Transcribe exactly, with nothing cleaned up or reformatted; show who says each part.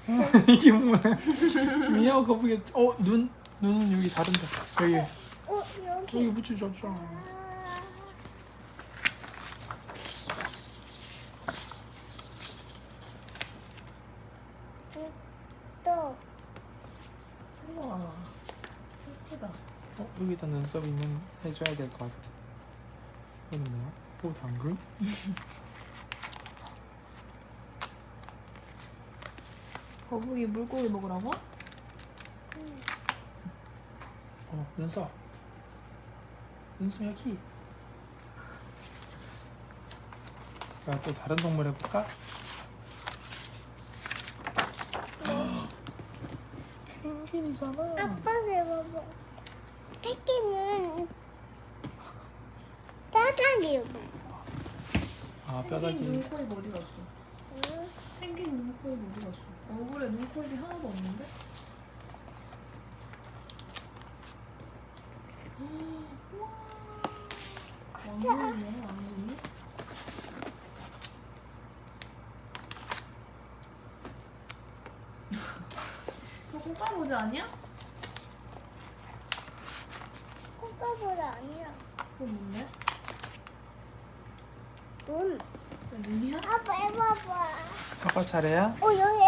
Speaker 1: 이게 뭐야? 미야오 거북이. 어, 눈 눈은 여기 다른데. 여기
Speaker 2: 어, 여기.
Speaker 1: 여기 붙여줬죠.
Speaker 2: 또.
Speaker 3: 우와 예쁘다.
Speaker 1: 어, 여기다 눈썹 있는 해줘야 될 것 같아. 이건 뭐야? 오, 당근?
Speaker 3: 거북이 물고기 먹으라고?
Speaker 1: 어, 눈썹. 눈썹 여기. 야, 또 다른 동물 해볼까? 펭귄이잖아.
Speaker 2: 아빠 해봐봐. 새끼는 짜장이.
Speaker 1: 아,
Speaker 3: 펭귄
Speaker 1: 뼈다귀.
Speaker 3: 눈, 코, 입 어디 갔어?
Speaker 2: 응?
Speaker 3: 펭귄 눈, 코, 입 어디 갔어? 얼굴에 눈, 코, 입이 하나도 없는데? 우와 왕눈이네 왕눈이? 이거 꽃가루지 아니야?
Speaker 2: 꽃가보다 아니야.
Speaker 3: 그거 뭔데?
Speaker 2: 눈.
Speaker 3: 이거 눈이야?
Speaker 2: 아빠 해봐봐.
Speaker 1: 아빠 차례야?
Speaker 2: 어, 여기